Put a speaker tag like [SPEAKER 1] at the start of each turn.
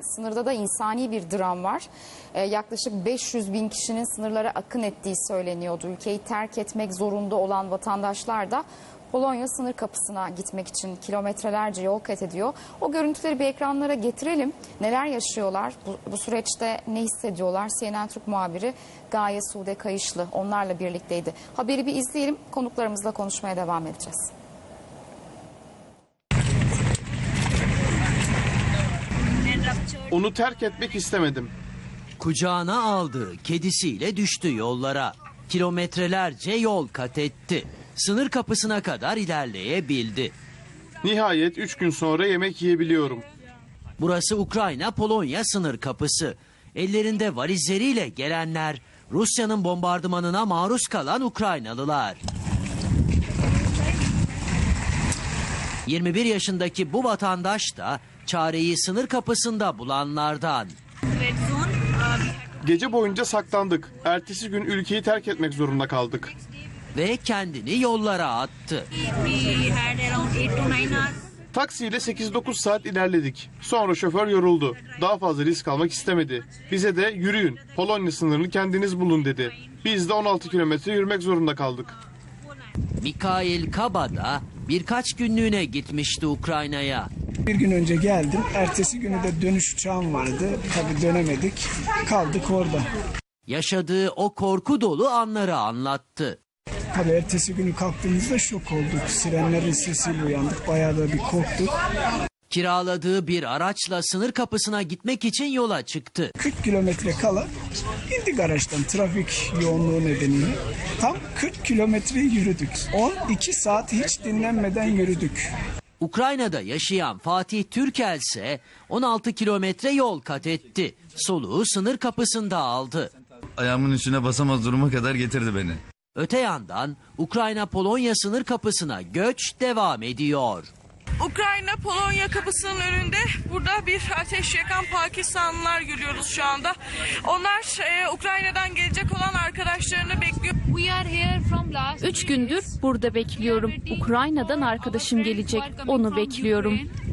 [SPEAKER 1] sınırda da insani bir dram var. Yaklaşık 500 bin kişinin sınırlara akın ettiği söyleniyordu. Ülkeyi terk etmek zorunda olan vatandaşlar da Polonya sınır kapısına gitmek için kilometrelerce yol kat ediyor. O görüntüleri bir ekranlara getirelim. Neler yaşıyorlar? Bu süreçte ne hissediyorlar? CNN Türk muhabiri Gaye Sude Kayışlı onlarla birlikteydi. Haberi bir izleyelim. Konuklarımızla konuşmaya devam edeceğiz.
[SPEAKER 2] Onu terk etmek istemedim.
[SPEAKER 3] Kucağına aldığı kedisiyle düştü yollara. Kilometrelerce yol kat etti. Sınır kapısına kadar ilerleyebildi.
[SPEAKER 2] Nihayet 3 gün sonra yemek yiyebiliyorum.
[SPEAKER 3] Burası Ukrayna-Polonya sınır kapısı. Ellerinde valizleriyle gelenler, Rusya'nın bombardımanına maruz kalan Ukraynalılar. 21 yaşındaki bu vatandaş da çareyi sınır kapısında bulanlardan.
[SPEAKER 2] Gece boyunca saklandık. Ertesi gün ülkeyi terk etmek zorunda kaldık.
[SPEAKER 3] Ve kendini yollara attı.
[SPEAKER 2] Taksiyle 8-9 saat ilerledik. Sonra şoför yoruldu. Daha fazla risk almak istemedi. Bize de yürüyün, Polonya sınırını kendiniz bulun dedi. Biz de 16 kilometre yürümek zorunda kaldık.
[SPEAKER 3] Mikhail Kaba da birkaç günlüğüne gitmişti Ukrayna'ya.
[SPEAKER 4] Bir gün önce geldim. Ertesi günü de dönüş uçağım vardı. Tabii dönemedik. Kaldık orada.
[SPEAKER 3] Yaşadığı o korku dolu anları anlattı.
[SPEAKER 4] Tabii ertesi günü kalktığımızda şok olduk. Sirenlerin sesiyle uyandık. Bayağı da bir korktuk.
[SPEAKER 3] Kiraladığı bir araçla sınır kapısına gitmek için yola çıktı.
[SPEAKER 4] 40 kilometre kala indik araçtan trafik yoğunluğu nedeniyle. Tam 40 kilometre yürüdük. 12 saat hiç dinlenmeden yürüdük.
[SPEAKER 3] Ukrayna'da yaşayan Fatih Türkel ise 16 kilometre yol kat etti. Soluğu sınır kapısında aldı.
[SPEAKER 5] Ayağımın üstüne basamaz duruma kadar getirdi beni.
[SPEAKER 3] Öte yandan Ukrayna-Polonya sınır kapısına göç devam ediyor.
[SPEAKER 6] Ukrayna-Polonya kapısının önünde burada bir ateş yakan Pakistanlılar görüyoruz şu anda. Onlar Ukrayna'dan gelecek olan arkadaşlarını bekliyor.
[SPEAKER 7] 3 gündür burada bekliyorum. Ukrayna'dan arkadaşım gelecek. Onu bekliyorum.